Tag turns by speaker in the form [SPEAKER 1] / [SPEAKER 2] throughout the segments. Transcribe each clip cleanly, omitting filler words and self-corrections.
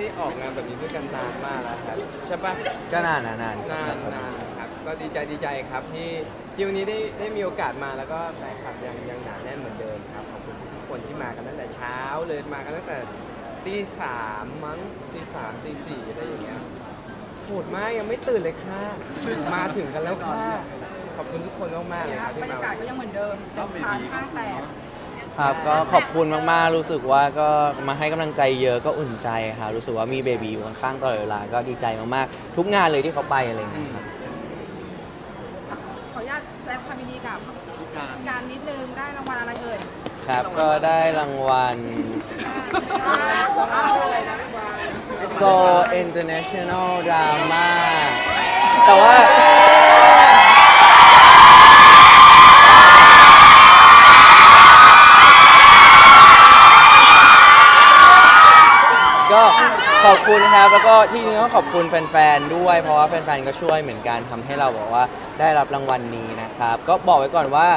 [SPEAKER 1] ได้ออกงานแบบนี้ด้วยกันนานมากแล้วครับใช่ปะ
[SPEAKER 2] ก็นาน
[SPEAKER 1] ครับก็ดีใจครับที่วันนี้ได้มีโอกาสมาแล้วก็แฟนคลับยังหนาแน่นเหมือนเดิมครับขอบคุณทุกคนที่มากันตั้งแต่เช้าเลยมากันตั้งแต่ตี 3มั้งตี 3 ตี 4อะไรอย่างเงี้ยโหดมากยังไม่ตื่นเลยค่ะมาถึงกันแล้วค่ะขอบคุณทุกคนมากๆเลยครับ
[SPEAKER 3] บร
[SPEAKER 1] ที่
[SPEAKER 3] ร
[SPEAKER 1] มาย
[SPEAKER 3] ากาศก็ยังเหมือนเดิมเต็มชานข้างแตก
[SPEAKER 2] ครับก็ขอบคุณมากๆรู้สึกว่าก็มาให้กำลังใจเยอะก็อุ่นใจครับรู้สึกว่ามีเบบีอยู่ข้างๆตลอดเวลาก็ดีใจมากๆทุกงานเลยที่เขาไปอะไรอย่างเงี้ยครับ
[SPEAKER 3] ขออนุญาตแสดงความยินดีกับการนิดนึงได้รางวัลอะไรเอ่ย
[SPEAKER 2] ครับก็ได้รางวัล So International Drama แต่ว่าก็ขอบคุณครับแล้วก็ที่จริงก็ขอบคุณแฟนๆด้วยเพราะว่าแฟนๆก็ช่วยเหมือนกันทำให้เราบอกว่าได้รับรางวัลนี้นะครับก็บอกไว้ก่อนว่า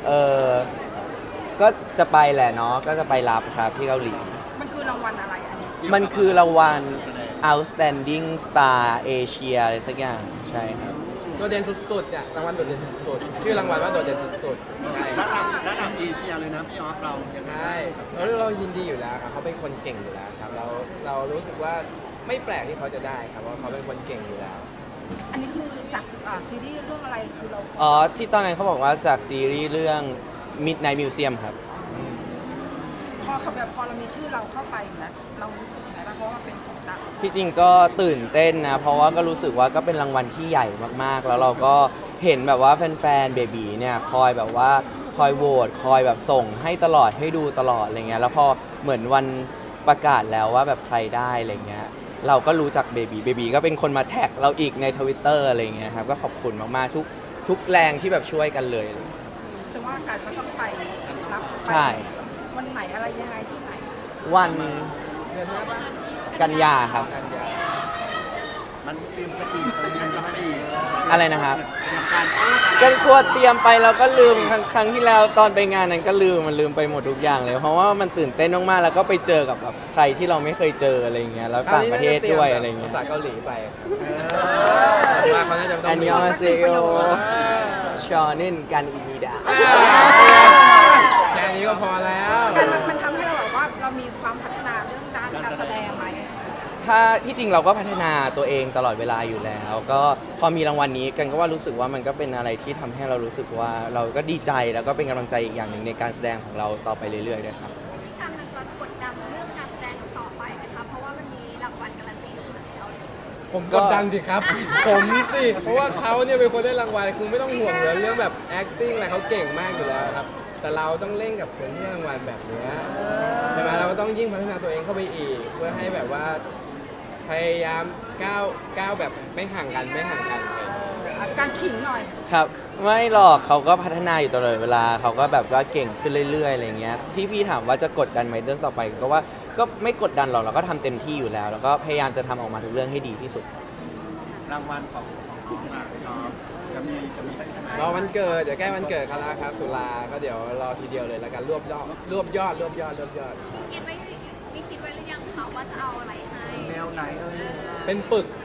[SPEAKER 2] ก็จะไปแหละเนาะก็จะไปรับครับที่เกาหลี
[SPEAKER 3] มันคือรางวัลอะไรอันนี้
[SPEAKER 2] มันคือรางวัล Outstanding Star Asia อะไรสักอย่างใช่ครับ
[SPEAKER 1] โดดเด่นสุดๆเนี่ยรางวัลโดดเด่นสุดๆชื่อรางวัลว่าโดดเด่นสุดๆใช่
[SPEAKER 4] ระดับเอเชียเลยนะพี่ออฟเรายังไง
[SPEAKER 1] ใช่แล้วเรายินดีอยู่แล้วครับเขาเป็นคนเก่งอยู่แล้วครับเรารู้สึกว่าไม่แปลกที่เขาจะได้ครับเพราะเขาเป็นคนเก่งอยู่แล้ว
[SPEAKER 3] อันนี้คือจากซีรีส์เรื่องอะไรคือเรา
[SPEAKER 2] อ๋อที่ตอนนั้นเขาบอกว่าจากซีรีส์เรื่อง Midnight Museum ครับ
[SPEAKER 3] พอเรามีชื่อเราเข้าไปนะเรารู้สึกยังไงบ้างเพราะว่ามันเป็นของต่าง
[SPEAKER 2] ที่จริงก็ตื่นเต้นนะ เพราะว่าก็รู้สึกว่าก็เป็นรางวัลที่ใหญ่มากๆ แล้วเราก็เห็นแบบว่าแฟนๆเบบีเนี่ยคอยแบบว่าคอยโหวตคอยแบบส่งให้ตลอดให้ดูตลอดอะไรเงี้ยแล้วพอเหมือนวันประกาศแล้วว่าแบบใครได้อะไรเงี้ยเราก็รู้จักเบบีก็เป็นคนมาแท็กเราอีกใน Twitter อะไรเงี้ยครับก็ขอบคุณมากๆทุกแรงที่แบบช่วยกันเลย
[SPEAKER 3] ซึ่งว่าการก็ต้องไปรับไป
[SPEAKER 2] ใช่
[SPEAKER 3] วันไหนอะไรยังไงที่ไหน
[SPEAKER 2] วัน
[SPEAKER 1] เดือนหน้าปะ
[SPEAKER 2] กันยาครับ
[SPEAKER 1] กันยา
[SPEAKER 4] มันเตรียมสปีดอะไรกันสปีด
[SPEAKER 2] อะไรนะครับ
[SPEAKER 4] เตรียมการโอ้
[SPEAKER 2] กันกลัวเตรียมไปเราก็ลืมครั้งที่แล้วตอนไปงานนั้นก็ลืมไปหมดทุกอย่างเลย เพราะว่ามันตื่นเต้นมากๆแล้วก็ไปเจอกับแบบใครที่เราไม่เคยเจออะไรเงี้ยแล้วต่างประเทศด้วยอะไรเงี้ย
[SPEAKER 1] ภาษาเกาหลีไปมาเขาน่าจะต้อง
[SPEAKER 2] อันยองอาเซโยชอนินกันอิมิดา
[SPEAKER 1] แค่นี้ก็พอแล้ว
[SPEAKER 3] การมันทำให้เราแบบว่าเรามีความพัฒนาเรื่องด้านการแสดงไหม
[SPEAKER 2] ถ้าที่จริงเราก็พัฒนาตัวเองตลอดเวลาอยู่แล้ว ก็พอมีรางวัลนี้กันก็ว่ารู้สึกว่ามันก็เป็นอะไรที่ทำให้เรารู้สึกว่าเราก็ดีใจแล้วก็เป็นกำลังใจอีกอย่างหนึ่งในการแสดงของเราต่อไปเรื่อยๆด้วยครับ
[SPEAKER 5] ทางมันจะกดดันเรื่องการแสดงต่อไปไหมคะเพราะว่ามันมีรางวัลการันตีอยู่แล้ว
[SPEAKER 1] ผมกดดันสิครับ ผมสิเพราะว่าเขาเนี่ยเป็นคนได้รางวัลคุณไม่ต้องห่วงเลยเรื่องแบบ acting อะไรเขาเก่งมากอยู่แล้วครับ แต่เราต้องเล่นกับคนที่ได้รางวัลแบบเนี้ยใช่ไหมเราก็ต้องยิ่งพัฒนาตัวเองเข้าไปอีก เพื่อให้แบบว่าพยายามก้าวแบบไม่ห่างกันเลย
[SPEAKER 3] การขิงหน่อย
[SPEAKER 2] ครับไม่หรอกเขาก็พัฒนาอยู่ตลอดเวลาเขาก็แบบว่าเก่งขึ้นเรื่อยๆอะไรเงี้ยที่พี่ถามว่าจะกดดันไหมเรื่องต่อไปก็ว่าก็ไม่กดดันหรอกเราก็ทำเต็มที่อยู่แล้ว แล้วก็พยายามจะทำออกมาทุกเรื่องให้ดีที่สุด
[SPEAKER 4] รางวัลของน้องอ่ะพี่ออฟจะมีใช่ไหม
[SPEAKER 1] รอวันเกิดเดี๋ยวใกล้วันเกิดเขาแล้วครับตุลาก็เดี๋ยวรอทีเดียวเลยแล้วกันรวบยอด
[SPEAKER 5] คิดไว้มีคิดไว้หรือยังคะว่าจะเอาอะไรให้
[SPEAKER 4] แนวไหน
[SPEAKER 1] เป็นปึก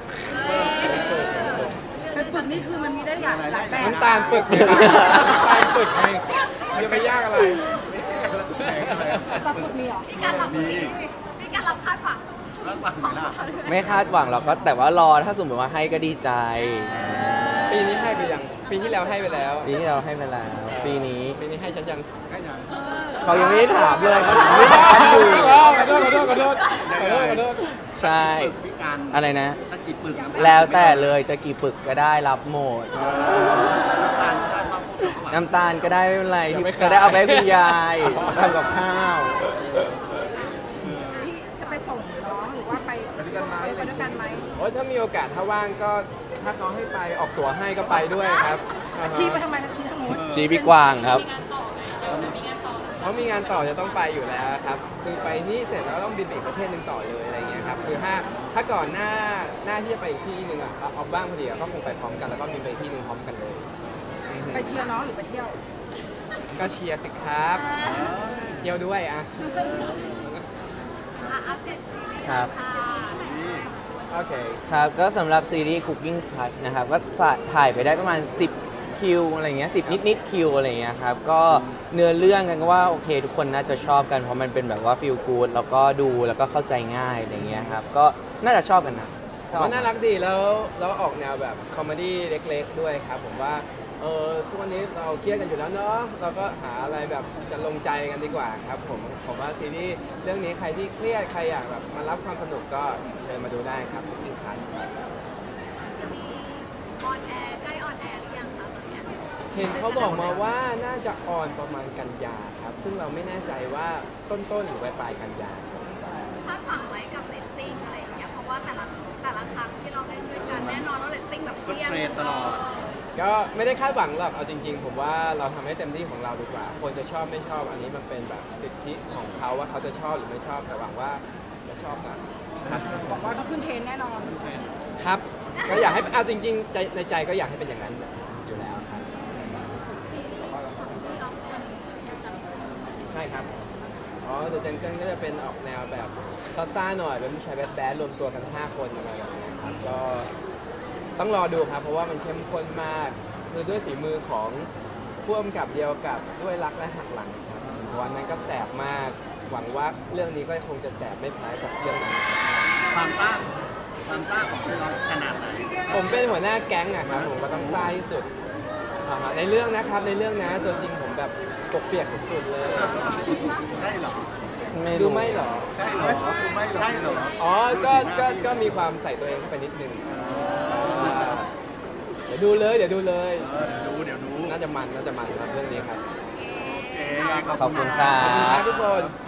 [SPEAKER 3] เป็นปึกนี่คือมันมีได้หลายแบบ
[SPEAKER 1] น้ำตาลปึกเลยครับน้ำตาลปึกไงจะไปยากอะไร
[SPEAKER 3] ปลาปึกมีเหรอ
[SPEAKER 5] มีการรับมีการรับคาดหวัง
[SPEAKER 4] แล้วหวังไหมล่ะ
[SPEAKER 2] ไม่คาดหวังหรอกก็แต่ว่ารอถ้าสมมติว่าให้ก็ดีใจ
[SPEAKER 1] ปีนี้ให้ไปยังปีที่แล้วให้ไปแล้ว
[SPEAKER 2] ปีที่เราให้ไปแล้วปีนี้
[SPEAKER 1] ปีนี้ให้ฉันยัง
[SPEAKER 4] ก็ยัง
[SPEAKER 2] เขายังไม่ได้ถามเลยเขาถามไม่ถามอยู่
[SPEAKER 1] ขอโทษ
[SPEAKER 2] ใช่
[SPEAKER 4] ปึกพิการ
[SPEAKER 2] อะไรนะ
[SPEAKER 4] ตะกี้ปึก
[SPEAKER 2] แล้วแต่เลยจะกี่ปึกก็ได้รับหมด
[SPEAKER 4] น้ำตาลก็ได้บ้าง
[SPEAKER 2] น้ำตาลก็ได้ไม่เป็นไรที่จะได้เอาไปให้คุณยายทำกับข้าว
[SPEAKER 3] พี่จะไปส่งน้องหรือว่าไปด้วยกันไหม
[SPEAKER 1] โอ้ยถ้ามีโอกาสถ้าว่างก็ถ้าเขาให้ไปออกตั๋วให้ก็ไปด้วยครับ
[SPEAKER 3] ชี้ไปทำไมชี้ทางโน้น
[SPEAKER 2] ชี้พี่กวางครับ
[SPEAKER 1] เขามีงานต่อจะต้องไปอยู่แล้วครับคือไปนี่เสร็จแล้วต้องบินไปอีกประเทศหนึ่งต่อเลยอะไรเงี้ยครับคือถ้าก่อนหน้าที่จะไปอีกที่หนึ่งอ่ะเอาบ้างพอดีก็คงไปพร้อมกันแล้วก็บินไปอีกที่หนึ่งพร้อมกันเลย
[SPEAKER 3] ไปเชียร์น้องหรือไปเที่ยว
[SPEAKER 1] ก็เชียร์สิครับเที่ยวด้วยอ่ะ
[SPEAKER 5] อัปเดตซีรีส์
[SPEAKER 2] ครับ
[SPEAKER 5] ค่ะ
[SPEAKER 1] โอเค
[SPEAKER 2] ครับก็สำหรับซีรีส์ Cooking Crush นะครับก็ถ่ายไปได้ประมาณ 10 คิวอะไรเงี้ย10 นิดคิวอะไรเงี้ยครับก็เนื้อเรื่องกันก็ว่าโอเคทุกคนน่าจะชอบกันเพราะมันเป็นแบบว่าฟีลกู๊ดแล้วก็ดูแล้วก็เข้าใจง่ายอะไรเงี้ยครับก็น่าจะชอบกันนะ
[SPEAKER 1] ผมว่าน่ารักดีแล้วออกแนวแบบคอมเมดี้เล็กๆด้วยครับผมว่าทุกวันนี้เราเครียดกันอยู่แล้วเนาะเราก็หาอะไรแบบจะลงใจกันดีกว่าครับผมว่าซีรีส์เรื่องนี้ใครที่เครียดใครอยากแบบมารับความสนุกก็เชิญมาดูได้ครับทุกทีครับ
[SPEAKER 5] จะมีออนแอร์ใกล้ออนแอร์หรือยังคะตอนเนี้ย
[SPEAKER 1] เห็นเขาบอกมาว่าน่าจะออนประมาณกันยาครับซึ่งเราไม่แน่ใจว่าต้นหรือปลายกันยา
[SPEAKER 5] คาดหวังไว้กับเรตติ้งอะไรอย่างเงี้ยเพราะว่าแต่ละครั้งที่เราเล่นด้วยกันแน่นอนว่าเรตติ้งแบบ
[SPEAKER 4] ก็เทรนตลอด
[SPEAKER 1] ก็ไม่ได้คาดหวังหรอกเอาจริง ๆ ผมว่าเราทำให้เต็มที่ของเราดีกว่า คนจะชอบไม่ชอบอันนี้มันเป็นแบบสิทธิของเขาว่าเขาจะชอบหรือไม่ชอบแต่หวังว่าจะชอบกัน
[SPEAKER 3] บอกว่าต้องขึ้นเทรนแน่นอน
[SPEAKER 1] ครับ ก็อยากให้เอาจริงๆใจในใจก็อยากให้เป็นอย่างนั้นอยู่แล้วครับใช่ครับอ๋อเดอะจังเกิลก็จะเป็นออกแนวแบบซ่าๆหน่อยเป็นผู้ชายแบดๆรวมตัวกัน5 คนอะไรแบบนี้ครับก็ต้องรอดูครับเพราะว่ามันเข้มข้นมากคือด้วยฝีมือของพ่วงกับเดียวกับด้วยรักและหักหลังครับวันนั้นก็แสบมากหวังว่าเรื่องนี้ก็คงจะแสบไม่แพ้กับเรื่องนั้น
[SPEAKER 4] ความซ่าของพี่น้องขนาดไหน
[SPEAKER 1] ผมเป็นหัวหน้าแก๊งอะครับผมก็ต้องซ่าที่สุดในเรื่องนะครับในเรื่องนะตัวจริงผมแบบปกเปียกสุดๆเลย
[SPEAKER 4] ใช่เหรอ
[SPEAKER 2] ไม่
[SPEAKER 1] ดู
[SPEAKER 2] รู้
[SPEAKER 1] ไม่เหรอ
[SPEAKER 4] ใช่เหรอใช่เหรอ
[SPEAKER 1] อ๋อก็มีความใส่ตัวเองเข้าไปนิดนึงเดี๋ยวดูเลย
[SPEAKER 4] เดี๋ยวดู
[SPEAKER 1] น่าจะมันครับเรื่องนี้ครับ
[SPEAKER 4] โอเค
[SPEAKER 2] ขอบคุณครั
[SPEAKER 1] ขอบคุณครับ
[SPEAKER 2] บ
[SPEAKER 1] ทุกคน